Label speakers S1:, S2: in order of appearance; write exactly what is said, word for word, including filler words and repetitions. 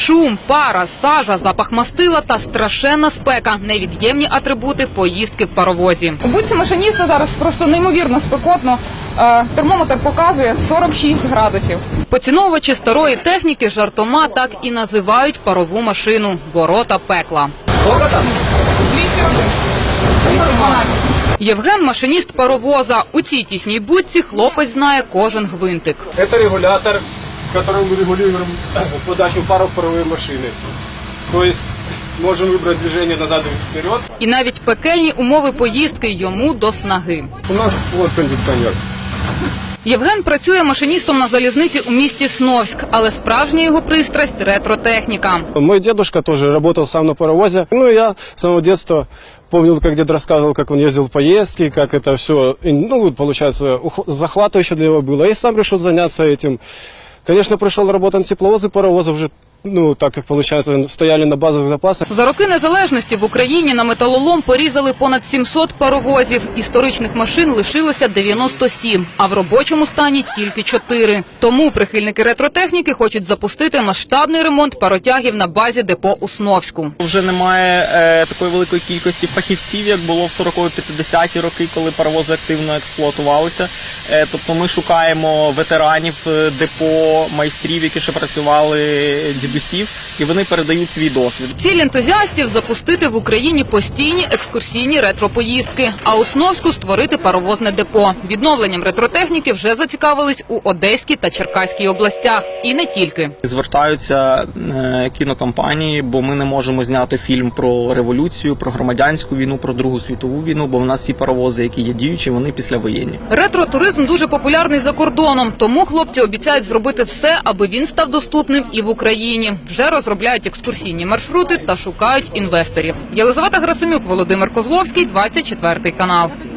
S1: Шум, пара, сажа, запах мастила та страшенна спека – невід'ємні атрибути поїздки в паровозі. У будці машиніста зараз просто неймовірно спекотно. Термометр показує сорок шість градусів. Поціновувачі старої техніки жартома так і називають парову машину – ворота пекла.
S2: Сколько там?
S1: двісті один. Євген – машиніст паровоза. У цій тісній будці хлопець знає кожен гвинтик.
S2: Это регулятор, которым мы регулируем подачу пара в паровые машины. То есть можем выбрать движение назад и вперед.
S1: І навіть пекельні умови поїздки йому до снаги.
S2: У нас вот кондиционер.
S1: Євген працює машиністом на залізниці у місті Сновськ, але справжня його пристрасть – ретротехніка.
S2: Мой дедушка тоже работал сам на паровозе. Ну, я с самого детства помнил, как дед рассказывал, как он ездил в поездки, как это все, ну, получается, захватывающе для него было. И сам решил заняться этим. Конечно, пришел работать на тепловозы, паровозы уже, ну, так как, получается, стояли на базовых запасах.
S1: За роки незалежності в Україні на металолом порізали понад сімсот паровозів. Історичних машин лишилося дев'яносто сім, а в робочому стані тільки чотири. Тому прихильники ретротехніки хочуть запустити масштабний ремонт паротягів на базі депо у Сновську.
S3: Вже немає е, такої великої кількості фахівців, як було в сорокові-п'ятдесяті роки, коли паровози активно експлуатувалися. Е, тобто ми шукаємо ветеранів депо, майстрів, які ще працювали дідусів, і вони передають свій досвід.
S1: Ціль ентузіастів – запустити в Україні постійні екскурсійні ретропоїздки, а у Сновську створити паровозне депо. Відновленням ретротехніки вже зацікавились у Одеській та Черкаській областях. І не тільки.
S3: Звертаються е, кінокомпанії, бо ми не можемо зняти фільм про революцію, про громадянську війну, про Другу світову війну, бо в нас всі паровози, які є діючі, вони післявоєнні.
S1: Ретротуризм дуже популярний за кордоном, тому хлопці обіцяють зробити все, аби він став доступним і в Україні. Вже розробляють екскурсійні маршрути та шукають інвесторів. Єлизавета Грасимюк, Володимир Козловський, двадцять четвертий канал.